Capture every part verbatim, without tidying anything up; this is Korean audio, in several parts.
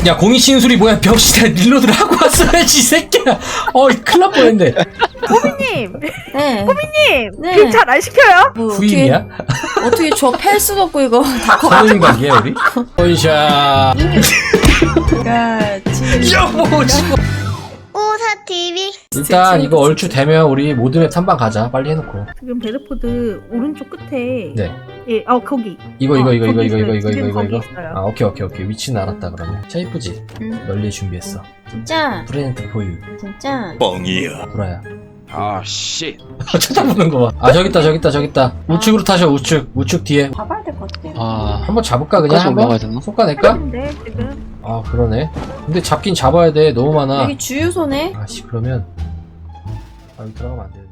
야 공이 치는 소리 뭐야? 벽시다 릴로드를 하고 왔어야지 이 새끼야. 어 큰일 날 뻔했네. 호미님! 네. 호미님! 네. 네. 잘안 시켜요? 뭐 후임이야? 어떻게, 어떻게 저 팰 수도 없고 이거 다 선임 관계야 우리? 원샷. 커가지. 여보 지금. 오사티비 일단 이거 얼추 되면 우리 모드맵 탐방 가자. 빨리 해놓고. 지금 베드포드 오른쪽 끝에 네. 예, 어 거기 이거 이거 어, 이거 이거 거기 이거 있어요. 이거 이거 지금 이거 거기 이거. 있어요. 아 오케이 오케이 오케이 위치는 알았다 그러면. 자 이쁘지? 응. 널리 준비했어. 진짜? 프레젠트 포유. 진짜? 뻥이야. 구라야. 아, 씨. 쳐다보는 거 봐. 아 저기 있다 저기 있다 저기 있다. 우측으로 타셔 우측 우측 뒤에. 봐봐야 될 것 같아. 아, 한번 잡을까 그냥 끝까지 한번? 올라가야 되나? 속가낼까? 근데 지금 아 그러네. 근데 잡긴 잡아야 돼. 너무 많아. 여기 주유소네? 아씨 그러면 아 여기 들어가면 안 되는데.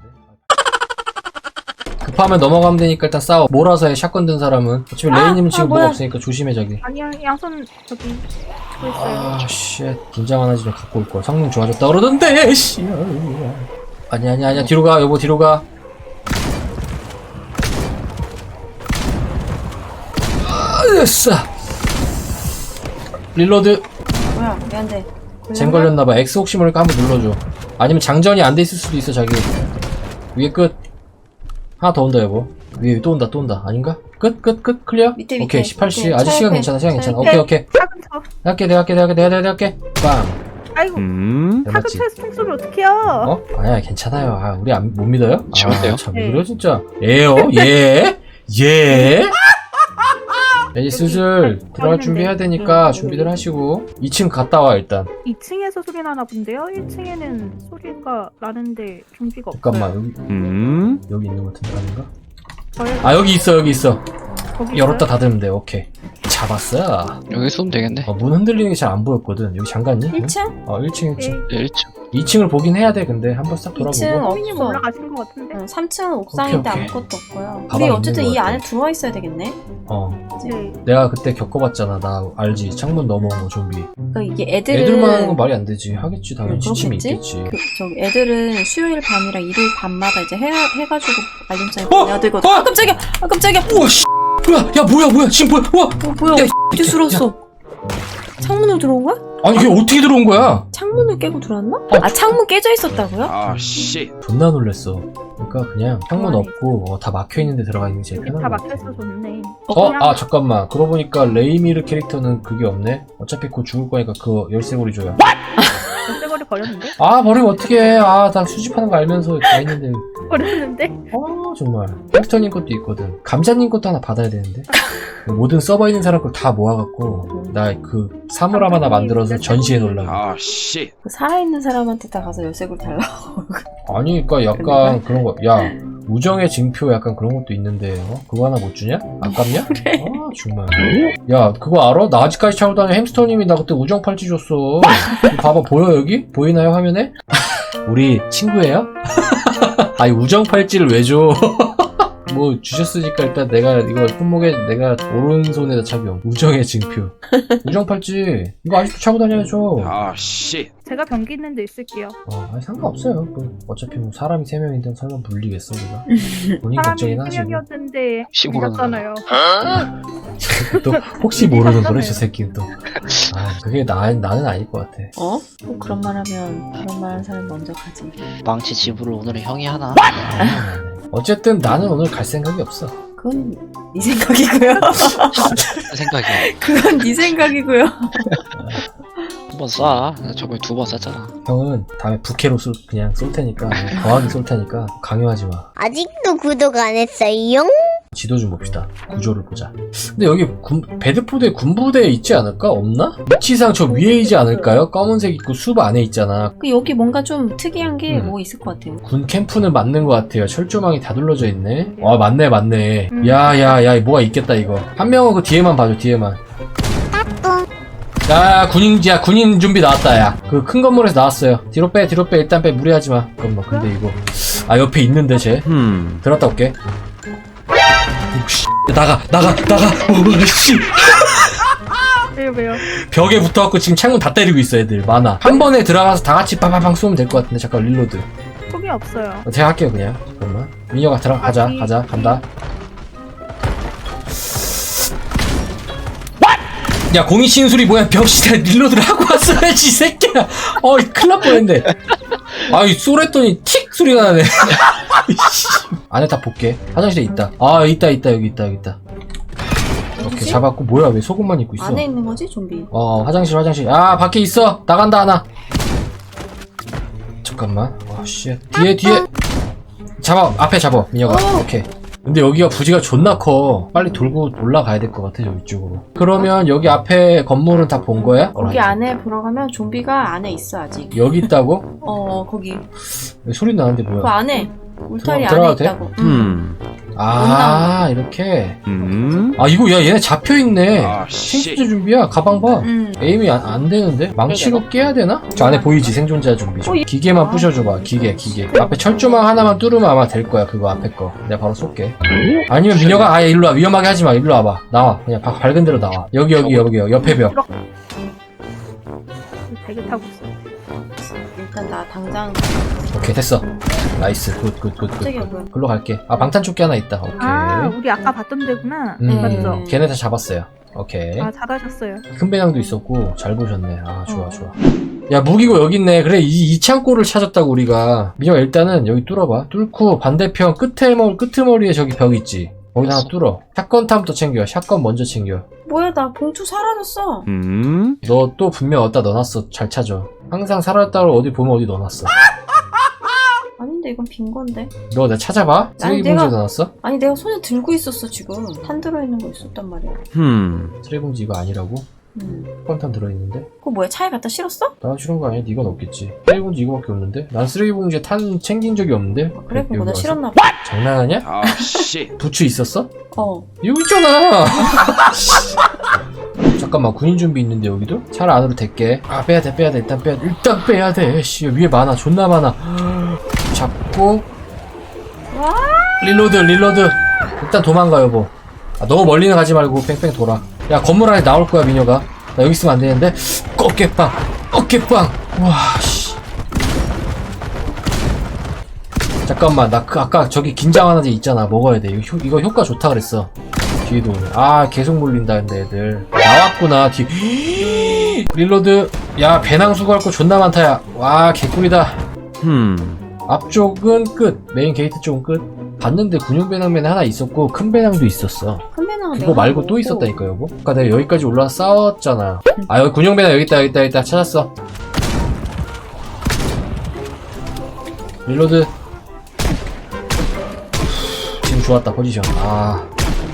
급하면 넘어가면 되니까 일단 싸워. 몰아서 해. 샷건 든 사람은. 어차피 아, 레이님은 아, 지금 뭐야. 뭐가 없으니까 조심해 저기. 아니야 양손 저기 치고 있어요. 아씨 긴장 하나 좀 갖고 올 걸. 성능 좋아졌다 그러던데. 씨. 아니 아니 아니야 뒤로 가 여보 뒤로 가. 아, 됐어. 릴로드. 뭐야, 왜 안 돼? 잼 걸렸나봐. X 혹시 모르니까 한번 눌러줘. 아니면 장전이 안 돼 있을 수도 있어 자기. 위에 끝. 하나 더 온다 여보. 위에 또 온다 또 온다. 아닌가? 끝 끝 끝 클리어? 밑에, 밑에. 오케이 십팔 시. 밑에. 아직 차 시간 옆에. 괜찮아 시간 차 괜찮아. 옆에. 오케이 오케이. 차근 쳐. 내가 할게 내가 할게 내가 할게 내가 할게. 빵. 아이고 음? 차근 맞지? 쳐서 총소리 어떡해요? 어? 아니야 괜찮아요. 아 우리 안, 못 믿어요? 쉬운데요? 아, 참 네. 그래 진짜. 예요? 예? 예? 이제 슬슬 들어갈 준비해야 되니까 준비들 하시고 이 층 갔다 와 일단. 이 층에서 소리 나나 본데요? 일 층에는 소리가 나는데 좀비가 없어요. 잠깐만 여기 음? 여기 있는 것 같은데 아닌가? 저희 아 여기 있어 여기 있어. 거기 열었다 있어요? 닫으면 돼. 오케이. 잡았어. 여기 쏘면 되겠네. 어, 문 흔들리는 게 잘 안 보였거든. 여기 잠갔니? 일 층? 어 일 층 일 층. 네. 일 층. 이 층을 보긴 해야 돼. 근데 한번 싹 이 층 돌아보고. 호미님 없어. 올라가신 것 같은데? 응, 삼 층은 옥상인데 오케이, 오케이. 아무것도 없고요. 가방 우리 있는 어쨌든 것 이 같아. 안에 들어와 있어야 되겠네? 어 네. 내가 그때 겪어봤잖아. 나 알지. 창문 넘어온 거 좀비. 그러니까 이게 애들은 애들만 하는 건 말이 안 되지. 하겠지 당연히. 음, 지침이 그렇겠지? 있겠지. 그, 저기 애들은 수요일 밤이랑 일요일 밤마다 이제 해, 해가지고 알림장에 어? 보내야 되거든. 어? 아 깜짝이야! 아 깜짝이야! 우와 씨. 뭐야? 야 뭐야 뭐야 지금 뭐야? 우와. 어 뭐야? 야, 어떻게 들어왔어? 창문으로 들어온 거야? 아니 이게 어떻게 들어온 거야? 창문을 깨고 들어왔나? 어. 아 창문 깨져 있었다고요? 아, 씨. 존나 놀랬어. 그러니까 그냥 창문 가만히 없고 어, 다 막혀 있는데 들어가 있는 게 제일 여기 편한 다 거 같아. 막혀서 좋네. 어? 그냥 아 잠깐만. 그러고 보니까 레이미르 캐릭터는 그게 없네. 어차피 곧 죽을 거니까 그거 열쇠고리 줘요. 열쇠고리 버렸는데? 아 버리면 어떡해. 아 나 수집하는 거 알면서 다 있는데. 버렸는데? 아 정말. 햄스터님 것도 있거든. 감자님 것도 하나 받아야 되는데. 모든 서버 있는 사람 걸 다 모아갖고 나 그 사물 하나 만들어서 전시해 놓으려고. 아, 씨. 그 살아있는 사람한테 다 가서 열쇠고리 달라고. 아니 그니까 약간 그런 거. 야 우정의 징표 약간 그런 것도 있는데 어? 그거 하나 못 주냐? 아깝냐? 그래. 아 정말. 야 그거 알아? 나 아직까지 차고 다니는 햄스터님이 나 그때 우정 팔찌 줬어. 이거 봐봐 보여 여기? 보이나요 화면에? 우리 친구예요? 아니 우정 팔찌를 왜 줘? 뭐 주셨으니까 일단 내가 이거 손목에 내가 오른손에다 착용. 우정의 징표. 우정 팔찌 이거 아직도 차고 다녀야죠. 아, 씨. 제가 변기 있는 데 있을게요. 어, 아니 상관없어요. 뭐, 어차피 뭐 사람이 세 명인데 설마 불리겠어 우리가? 본인 사람이 걱정이나 세 하시고. 명이었는데 혹시 모르는 죽였잖아요. 또 혹시 모르는 거래 저 새끼는 또. 아 그게 나 나는 아닐 것 같아. 어? 꼭 그런 말 하면 그런 말 하는 사람이 먼저 가지. 망치 집으로 오늘은 형이 하나. 어쨌든 나는 오늘 갈 생각이 없어. 그건 네 생각이고요. 생각이야. 그건 네 생각이고요. 한 번 쏴. 저번에 두 번 쐈잖아. 형은 다음에 부캐로 쏠 그냥 쏠 테니까 거하게 쏠 테니까 강요하지 마. 아직도 구독 안 했어요? 지도 좀 봅시다. 구조를 보자. 근데 여기 군, 배드포드에 군부대 있지 않을까? 없나? 위치상 저 위에 있지 않을까요? 검은색 있고 숲 안에 있잖아. 그 여기 뭔가 좀 특이한 게 음. 뭐 있을 것 같아요. 군 캠프는 맞는 것 같아요. 철조망이 다 둘러져 있네. 와 맞네 맞네. 음. 야야야 뭐가 있겠다 이거. 한 명은 그 뒤에만 봐줘 뒤에만. 야 군인 야 군인 준비 나왔다 야. 그 큰 건물에서 나왔어요. 뒤로 빼 뒤로 빼 일단 빼 무리하지 마. 잠깐만 근데 이거 아 옆에 있는데 쟤. 음. 들었다 올게. 씨, 나가 나가 나가. 오 씨. 왜요 왜요? 벽에 붙어갖고 지금 창문 다 때리고 있어 애들 많아. 한 번에 들어가서 다 같이 빠바방 쏘면 될 것 같은데 잠깐 릴로드. 속이 없어요. 어, 제가 할게요 그냥. 잠깐만. 민혁아 들어가자 아니. 가자 간다. 야 공이 치는 소리 뭐야? 병신아 릴로드를 하고 왔어야지 이 새끼야. 어이 큰일 날 뻔했네. 아이 쏘랬더니 틱 소리가 나네. 안에 다 볼게. 화장실에 있다. 아 있다 있다 여기 있다 여기 있다. 오케이 어디지? 잡았고. 뭐야 왜 속옷만 입고 있어? 안에 있는 거지 좀비. 어 화장실 화장실. 아 밖에 있어. 나간다 하나. 잠깐만. 와씨 뒤에 뒤에. 잡아 앞에 잡아 민혁아. 어. 오케이. 근데 여기가 부지가 존나 커. 빨리 돌고 올라가야 될 것 같아 저기 쪽으로. 그러면 여기 앞에 건물은 다 본 거야? 거기 안에 들어가면 좀비가 안에 있어 아직. 여기 있다고? 어 거기 왜 소리 나는데 그 뭐야? 안에 울타리 들어가도 안에 돼? 있다고. 음. 아 이렇게. 음. 아 이거 야 얘네 잡혀있네. 아, 씨. 생존자 준비야. 가방 봐. 음. 에임이 안, 안 되는데? 망치로 깨야 되나? 저 안에 보이지? 생존자 준비 좀. 어, 이- 기계만 아. 부셔줘봐. 기계 기계. 앞에 철조망 하나만 뚫으면 아마 될 거야. 그거 앞에 거. 내가 바로 쏠게. 아니면 민혁아 아예 일로 와. 위험하게 하지 마. 일로 와봐. 나와. 그냥 바- 밝은 데로 나와. 여기 여기 여기 여기 옆에 벽. 되게 타고 있어. 일단 나 당장 오케이 됐어. 나이스. 굿 굿 굿 갑자기 굿. 뭐야? 글로 갈게. 아 방탄조끼 하나 있다. 오케이. 아, 우리 아까 봤던 데구나. 음, 맞죠? 걔네 다 잡았어요. 오케이. 아, 잘하셨어요. 큰 배낭도 있었고 잘 보셨네. 아 좋아 어. 좋아. 야 무기고 여기 있네. 그래 이, 이 창고를 찾았다고 우리가. 민혁아 일단은 여기 뚫어봐. 뚫고 반대편 끝에 머리 끄트머리에 저기 벽 있지. 거기다 하나 뚫어. 샷건탐부터 챙겨. 샷건 먼저 챙겨. 뭐야 나 봉투 사라졌어. 음. 너 또 분명 어디다 넣어놨어. 잘 찾아. 항상 사라졌다고 어디 보면 어디 넣어놨어. 아닌데 이건 빈 건데. 너 내가 찾아봐. 쓰레기 내가- 봉지에 넣어놨어? 아니 내가 손에 들고 있었어 지금. 탄 들어있는 거 있었단 말이야. 음. 쓰레기 봉지 이거 아니라고? 음. 샷건탐 들어있는데? 그거 뭐야 차에 갖다 실었어? 나 싫은 거 아니야? 네가 넣었겠지. 쓰레기 봉지 이거밖에 없는데? 난 쓰레기 봉지에 탄 챙긴 적이 없는데? 아, 그래 그럼 여기 나 와서? 실었나 봐. 장난하냐? 아, 씨. 부츠 있었어? 어. 여기 있잖아. 잠깐만 군인 준비 있는데 여기도? 차를 안으로 댈게. 아 빼야돼 빼야돼 일단 빼야돼 일단 빼야돼. 씨 위에 많아 존나 많아. 잡고 와. 릴로드 릴로드. 일단 도망가 여보. 아, 너무 멀리는 가지 말고 뺑뺑 돌아. 야 건물 안에 나올 거야 민혁아. 나 여기 있으면 안 되는데. 어깨빵 어깨빵. 와 씨. 잠깐만 나 그 아까 저기 긴장하는 애 있잖아. 먹어야 돼. 이거, 효, 이거 효과 좋다 그랬어. 뒤에도 오네. 아 계속 몰린다 근데 애들. 나왔구나 뒤. 릴로드. 야 배낭 수거할 거 존나 많다 야. 와 개꿀이다. 음. 앞쪽은 끝. 메인 게이트 쪽은 끝. 봤는데 군용 배낭맨에 하나 있었고 큰 배낭도 있었어. 큰 배낭은 그거 내가 말고 먹고. 또 있었다니까 여보. 아까 내가 여기까지 올라와 싸웠잖아. 아 여기 군용 배낭 여기 있다 여기 있다 여기 있다 찾았어. 릴로드. 지금 좋았다 포지션. 아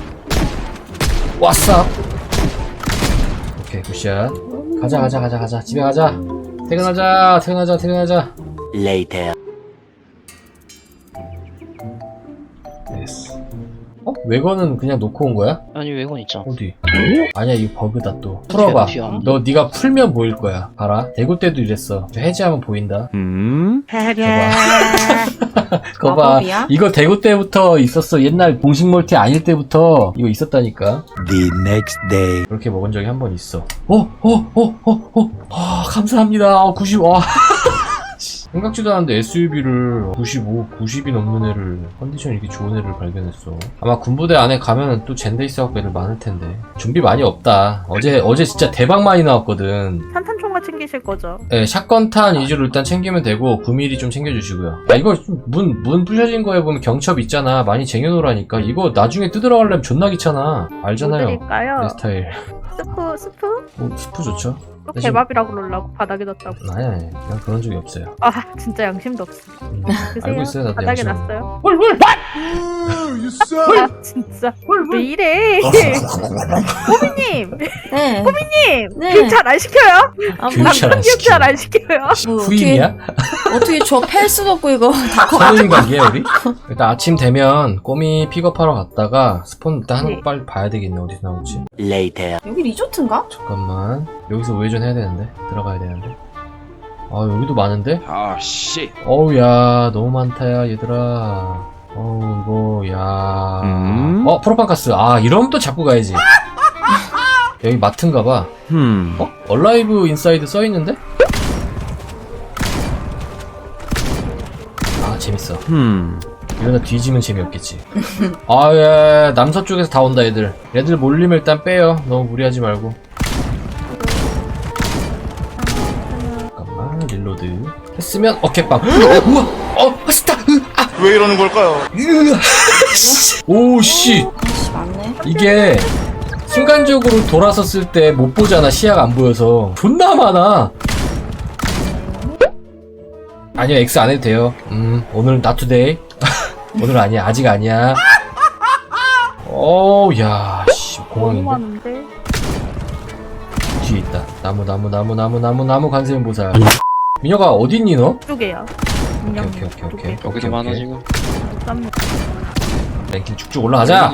왔어. 오케이 굿샷. 가자 가자 가자 가자 집에 가자. 퇴근하자 퇴근하자 퇴근하자. 됐어. 어? 외건은 그냥 놓고 온 거야? 아니 외건 있죠. 어디? 아니야 이거 버그다 또. 풀어봐. 튀어. 너 네가 풀면 보일 거야. 봐라. 대구 때도 이랬어. 저 해제하면 보인다. 음. 거봐. 거봐. 마법이야? 이거 대구 때부터 있었어. 옛날 공식 멀티 아닐 때부터 이거 있었다니까. The next day. 그렇게 먹은 적이 한 번 있어. 어? 어? 어? 어? 어? 아 감사합니다. 어, 구십. 와. 생각지도 않았는데 에스유브이를 구십오, 구십이 넘는 애를 컨디션 이렇게 좋은 애를 발견했어. 아마 군부대 안에 가면은 또 젠데이스하고 애들 많을 텐데. 준비 많이 없다. 어제 어제 진짜 대박 많이 나왔거든. 산탄총과 챙기실 거죠? 네, 샷건탄 위주로 일단 챙기면 되고 구 밀리미터 좀 챙겨주시고요. 야 이거 문 문 부셔진 거에 보면 경첩 있잖아. 많이 쟁여놓으라니까. 이거 나중에 뜯으러 가려면 존나 귀찮아. 뭐 알잖아요. 드릴까요? 내 스타일. 스프, 스프? 어, 스프 좋죠? 또 대신- 개밥이라고 그러려고 바닥에 놨다고. 아니 아니 그냥 그런 적이 없어요. 아, 진짜 양심도 없어. 음, 드세요. 알고 있어요 나도 바닥에 양심. 놨어요. 헐헐. 아, 진짜. 왜 이래? 호비님! 네. 호비님! 네. 교육 잘 안 시켜요? 아, 교육 뭐, 잘 안 교육 잘 안 시켜요? 뭐 후임이야? 어떻게, 어떻게 저 팰 수도 없고 이거 다 커. 선임 관계야 우리? 일단 아침 되면 꼬미 픽업하러 갔다가 스폰 일단 하는 거 네. 빨리 봐야 되겠네. 어디서 나올지. Later. 여기 리조트인가? 잠깐만. 여기서 우회전 해야 되는데. 들어가야 되는데. 아 여기도 많은데? 아, 씨. 어우 야 너무 많다 야 얘들아. 어우 이거 야. 음? 어 프로판가스. 아 이러면 또 잡고 가야지. 여기 마트인가봐. 음. 어? 얼라이브 인사이드 써있는데? 아 재밌어. 음. 이러다 뒤지면 재미없겠지. 아, 예, 남서쪽에서 다 온다, 애들. 애들 몰리면 일단 빼요. 너무 무리하지 말고. 릴로드 했으면 어깨빵. 우와, 어, 스타. 아, 왜 이러는 걸까요? 오씨, 아씨 맞네. 이게 순간적으로 돌아섰을 때 못 보잖아. 시야가 안 보여서 존나 많아. 아니요, X 안 해도 돼요. 음, 오늘 not today. 오늘 아니야, 아직 아니야. 어우, 야, 씨, 너무 공항인데. 많은데. 뒤에 있다. 나무, 나무, 나무, 나무, 나무, 나무 간세면 보살. 민혁아, 어딨니 너? 이쪽에요. 오케이, 오케이, 오케이, 오케이. 여기도 오케이, 많아 오케이. 지금. 랭킹 쭉쭉 올라가자.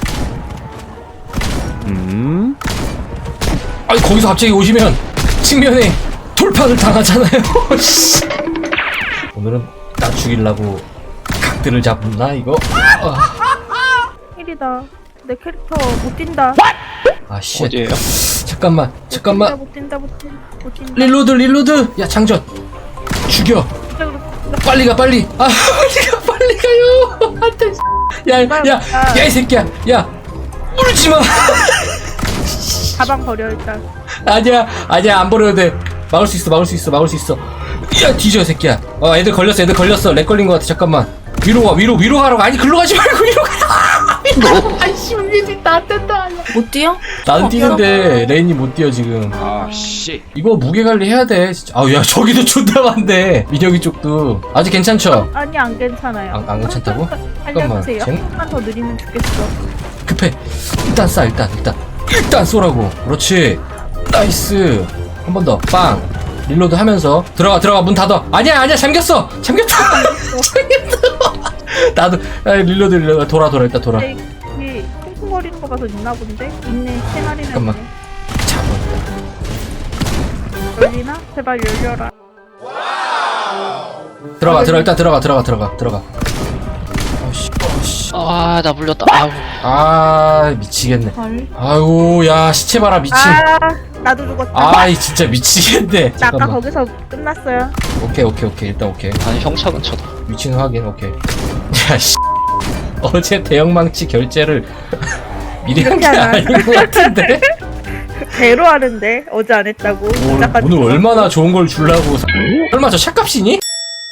음? 아니, 거기서 갑자기 오시면 측면에 돌파를 당하잖아요. 씨. 오늘은 나 죽이려고 각들을 잡나 이거? 아, 일이다. 내 캐릭터 못 뛴다. 아 씨. 어디에요? 잠깐만, 잠깐만. 못 뛴다 못 뛴다 못 뛴다. 릴로드, 릴로드. 야, 장전. 죽여. 빨리 가, 빨리. 아, 빨리 가, 빨리 가요. 안돼. 야, 야, 야, 이 새끼야. 야, 울지 마. 가방 버려 일단. 아니야, 아니야, 안 버려도 돼. 막을 수 있어, 막을 수 있어, 막을 수 있어. 야, 뒤져, 새끼야. 어, 애들 걸렸어, 애들 걸렸어. 렉 걸린 것 같아. 잠깐만. 위로 가, 위로, 위로 가라고. 아니, 글로 가지 말고 위로 가라고. 아이씨, 우리 나안 된다. 못 뛰어? 나는 뛰는데 레인이 못 뛰어 지금. 아, 씨. 이거 무게 관리 해야 돼. 진짜. 아우, 야, 저기도 존나 많네. 민혁이 쪽도. 아직 괜찮죠? 아니 안 괜찮아요. 안, 안 괜찮다고? 알려주세요. 쟤는- 한번 더 느리면 죽겠어. 급해. 일단 쏴, 일단, 일단. 일단 쏘라고. 그렇지. 나이스. 한 번 더. 빵. 릴로드 하면서. 들어가, 들어가. 문 닫아. 아니야, 아니야. 잠겼어. 잠겼다. 잠겼어. 나도. 아, 릴로드, 릴로드. 돌아, 돌아. 일단 돌아. 근데 이게 쿵쿵거리는 거 봐서 있나 본데? 있네. 세 마리나 잠깐만. 있네. 잡아. 열리나? 제발 열려라. 들어가, 들어가. 일단 들어가, 들어가, 들어가, 들어가. 어씨, 어씨. 아, 나 물렸다. 아우. 아, 미치겠네. 헐. 아이고, 야, 시체 봐라, 미친. 아 나도 죽었다. 아이, 진짜 미치겠네. 나 아까 잠깐만. 거기서 끝났어요. 오케이, 오케이, 오케이. 일단 오케이. 아니 형차 근처다. 위치는 확인, 오케이. 야, 씨. 어제 대형망치 결제를 미리 한 게 이렇게 하나? 아닌 것 같은데? 배로 하는데 어제 안 했다고. 오늘, 잠깐 오늘 죽었어. 얼마나 좋은 걸 주려고. 얼마 저 샷값이니?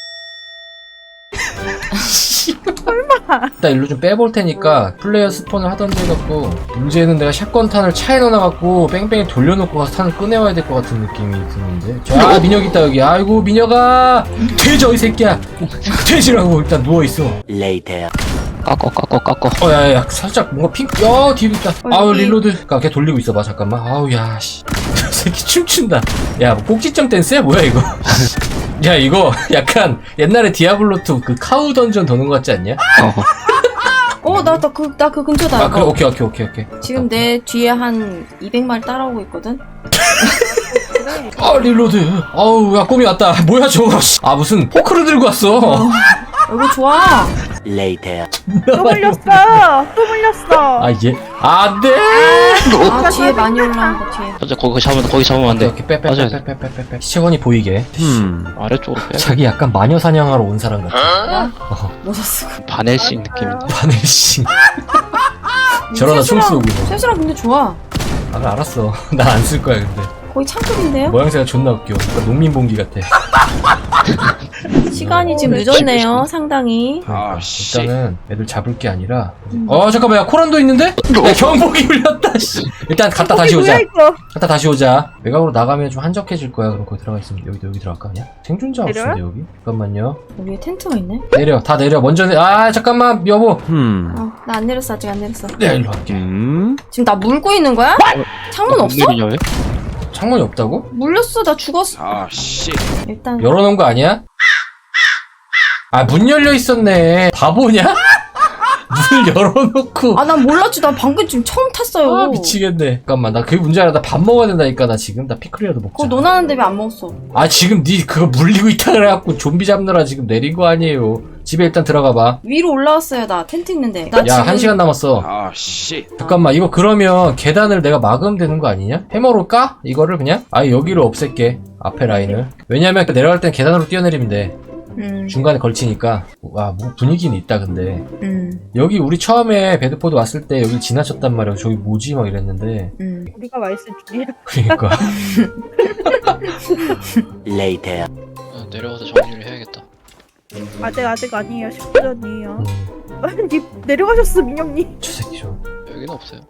일단 일로 좀 빼볼 테니까 플레이어 스폰을 하던지 해갖고 문제는 내가 샷건탄을 차에 넣어놔갖고 뺑뺑이 돌려놓고 가서 탄을 꺼내와야 될 것 같은 느낌이 드는데. 자, 민혁 있다 여기. 아이고, 민혁아, 돼져 이 새끼야. 돼지라고. 일단 누워있어. Later. 깎어 깎어 깎어. 어, 야, 야, 살짝 뭔가 핑, 야, 뒤로 있다. 아우, 여기. 릴로드. 가, 걔 돌리고 있어봐, 잠깐만. 아우, 야, 씨. 저 새끼 춤춘다. 야, 뭐 꼭지점 댄스야? 뭐야, 이거? 야, 이거 약간 옛날에 디아블로투 그 카우 던전 도는 것 같지 않냐? 어, 나, 나 그, 나 그 근처다. 아, 그래, 이거. 오케이, 오케이, 오케이, 오케이. 지금 내 뒤에 한 이백 마리 따라오고 있거든? 아, 릴로드. 아우, 야, 꿈이 왔다. 뭐야, 저거. 씨. 아, 무슨 포크를 들고 왔어. 이거 좋아. Later. 또 물렸어. 또 물렸어. 아, 얘. 안 돼! 아, 뒤에 많이 올라온 거 뒤에. 현재 거기 잡으면 거기 잡으면 안 오케이, 돼. 오케이, 빼, 빼, 맞아요. 빼, 빼, 빼, 빼, 빼. 시체원이 보이게. 음. 아래쪽으로 빼. 자기 약간 마녀 사냥하러 온 사람 같아. 야, 어, 멋졌어. 바넬싱 느낌인데. 바늘씨. 저러다 총 쏘고. 쇠수랑 근데 좋아. 아, 나 알았어. 나 안 쓸 거야, 근데. 거의 창급인데요? 모양새가 존나 웃겨. 약간 농민봉기 같아. 시간이 지금 늦었네요, 상당히. 그러니까 씨. 일단은 애들 잡을 게 아니라. 어, 잠깐만, 야, 코란도 있는데? 야, 경복이 울렸다, 씨. 일단 갔다 다시 거기 오자. 뭐야 이거? 갔다 다시 오자. 외곽으로 나가면 좀 한적해질 거야. 그럼 거기 들어가 있으면 여기 여기 들어갈까 그냥? 생존자 내려요? 없는데 여기? 잠깐만요. 여기에 텐트가 있네? 내려, 다 내려. 먼저 내. 아, 잠깐만, 여보. 음. 어, 나 안 내렸어, 아직 안 내렸어. 내가 일로 갈게. 음? 지금 나 물고 있는 거야? 창문 없어? 웬일이냐, 왜? 창문이 없다고? 물렸어, 나 죽었어. 아, 씨. 일단. 열어놓은 거 아니야? 아, 문 열려 있었네. 바보냐? 문을 열어놓고. 아, 난 몰랐지. 난 방금 지금 처음 탔어요. 아, 미치겠네. 잠깐만, 나 그게 문제 아니라 나 밥 먹어야 된다니까. 나 지금 나 피클이라도 먹자. 그거 논하는데 왜 안 먹었어? 아, 지금 니 그거 물리고 있다 그래갖고 좀비 잡느라 지금 내린 거 아니에요. 집에 일단 들어가봐. 위로 올라왔어요, 나 텐트 있는데. 나 야, 지금 한 시간 남았어. 아, 씨. 잠깐만, 이거 그러면 계단을 내가 막으면 되는 거 아니냐? 해머로 까? 이거를 그냥? 아예 여기로 없앨게. 앞에 라인을. 왜냐면 내려갈 땐 계단으로 뛰어내리면 돼. 음, 중간에 걸치니까. 와, 뭐 분위기는 있다, 근데. 음, 여기 우리 처음에 배드포드 왔을 때 여기 지나쳤단 말이야. 저기 뭐지? 막 이랬는데. 음. 우리가 와 있을 줄이야. 그러니까. Later. 내려가서 정리를 해야겠다. 아직 아직 아니에요. 십 분 전이에요. 음, 아니 내려가셨어 민영님. 저 새끼 좀. 여기는 없어요.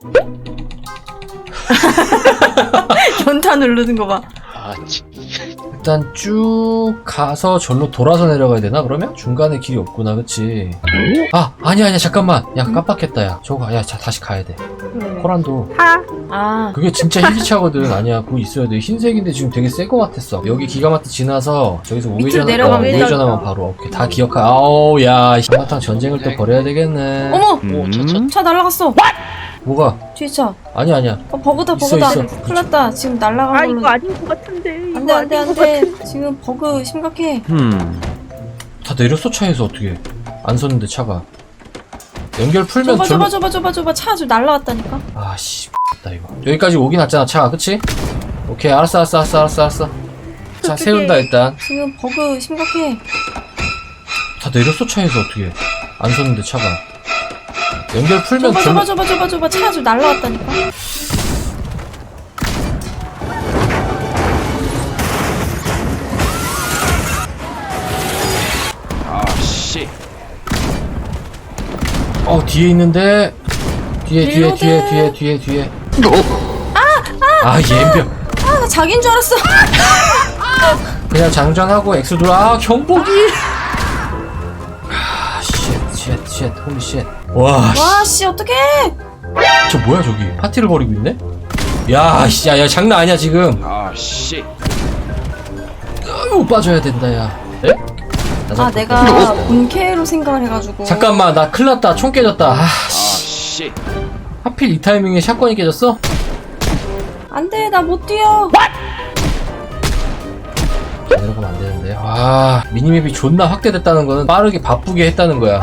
연타 누르는 거 봐. 아, 치. 일단 쭉 가서 절로 돌아서 내려가야 되나 그러면? 중간에 길이 없구나 그치? 아 아니야 아니야 잠깐만 야 깜빡했다 야 저거 야 자, 다시 가야 돼 왜? 코란도 하. 아, 그게 진짜 희귀차거든. 아니야 그거 있어야 돼. 흰색인데 지금 되게 새 거 같았어. 여기 기가마트 지나서 저기서 우회전 내려가면 어, 우회전하면 바로 오케이 다 기억하. 아우 야 한바탕 전쟁을 또 벌여야 되겠네. 어머! 오, 저, 저, 차 날라갔어! 뭐가? 뒤에 차. 아니야 아니야 어, 버그다, 있어, 버그다. 있어. 큰일 났다. 지금 아 날라간 걸로. 이거 아닌 것 같은데. 안 돼, 이거 안 돼, 아닌 안 것 돼. 같은데. 지금 버그 심각해. 음. 다 내렸어 차에서 어떻게 안 섰는데 차가 연결 풀면 줘봐, 절로 줘봐, 줘봐, 줘봐, 줘봐. 차 지금 날라갔다니까. 아씨 다 이거 여기까지 오긴 왔잖아 차가 그치? 오케이 알았어 알았어 알았어 알았어 알았어 자 어떡해. 세운다 일단 지금 버그 심각해. 다 내렸어 차에서 어떻게 안 섰는데 차가 연결 풀면 줘봐, 절로 줘봐, 줘봐, 줘봐, 줘봐. 차 지금 날라갔다니까. 아, 씨. 어 뒤에 있는데 뒤에 뒤에 릴로드. 뒤에 뒤에 뒤에 뒤에 아 옌병 아, 나 자기인 줄 알았어. 그냥 장전하고 X 눌러 아 경보기 아쉣쉣쉣 홀리 쉣와 와, 씨, 어떡해. 저 뭐야 저기 파티를 벌이고 있네 야씨 야야 장난 아니야 지금 아, 씨. 아유 빠져야 된다 야 에? 나 아, 자꾸- 내가 본캐로 생각을 해가지고. 잠깐만 나 큰일 났다 총 깨졌다 아 아, 씨 씨. 하필 이 타이밍에 샷건이 깨졌어? 안 돼, 나 못 뛰어. 내려가면 안 되는데. 와, 미니맵이 존나 확대됐다는 거는 빠르게 바쁘게 했다는 거야.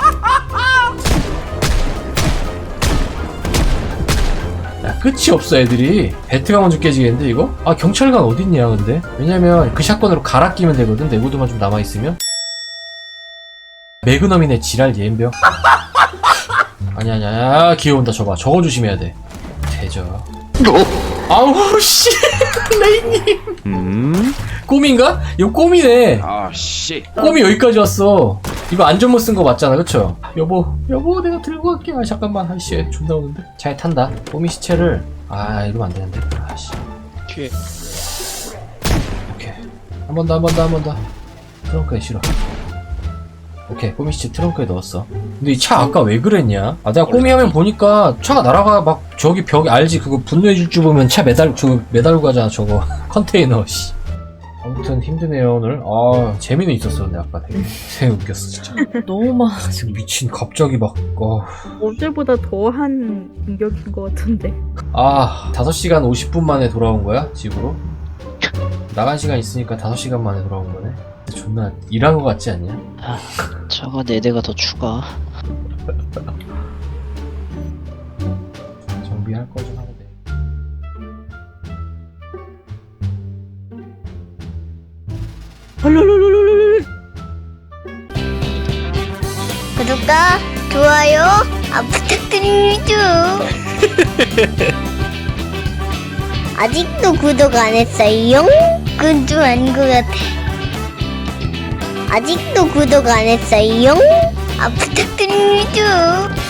야, 끝이 없어, 애들이. 배트가 먼저 깨지겠는데, 이거? 아, 경찰관 어딨냐, 근데? 왜냐면 그 샷건으로 갈아 끼면 되거든, 내구도만 좀 남아있으면. 매그넘이네, 지랄, 예인병. 아니야, 아니야, 야, 기어온다, 저봐. 저거 조심해야 돼. 대저. 아우, 씨. 레이님. 음. 꼬미인가? 이거 꼬미네. 아, 씨. 꼬미 여기까지 왔어. 이거 안전모 쓴 거 맞잖아, 그쵸? 여보, 여보, 내가 들고 갈게. 아, 잠깐만. 아이씨, 존나 오는데. 잘 탄다. 꼬미 시체를. 아, 이러면 안 되는데. 아씨. 뒤에. 오케이. 한 번 더, 한 번 더, 한 번 더. 트렁크에 실어. 오케이, 꼬미 시체 트렁크에 넣었어. 근데 이 차 아까 왜 그랬냐? 아, 내가 꼬미 하면 보니까 차가 날아가, 막, 저기 벽, 알지? 그거 분노의 질주 보면 차 매달, 저거 매달고 가잖아, 저거. 컨테이너, 씨. 아무튼 힘드네요, 오늘. 아, 재미는 있었어, 근데 아까 되게. 되게 웃겼어, 진짜. 너무 많아. 지금 미친, 갑자기 막, 어. 어제보다 더한 공격인 것 같은데. 아, 다섯 시간 오십 분 만에 돌아온 거야? 집으로? 나간 시간 있으니까 다섯 시간 만에 돌아온 거네? 존나 일한 거 같지 않냐? 아, 차가 네 대가 더 추가. 정비할 거 좀 하고 돼. 헐헐헐헐헐. 구독과 좋아요 아, 부탁드립니다. 아직도 구독 안 했어요? 그건 좀 아닌 것 같아. 아직도 구독 안 했어요? 아, 부탁드립니다.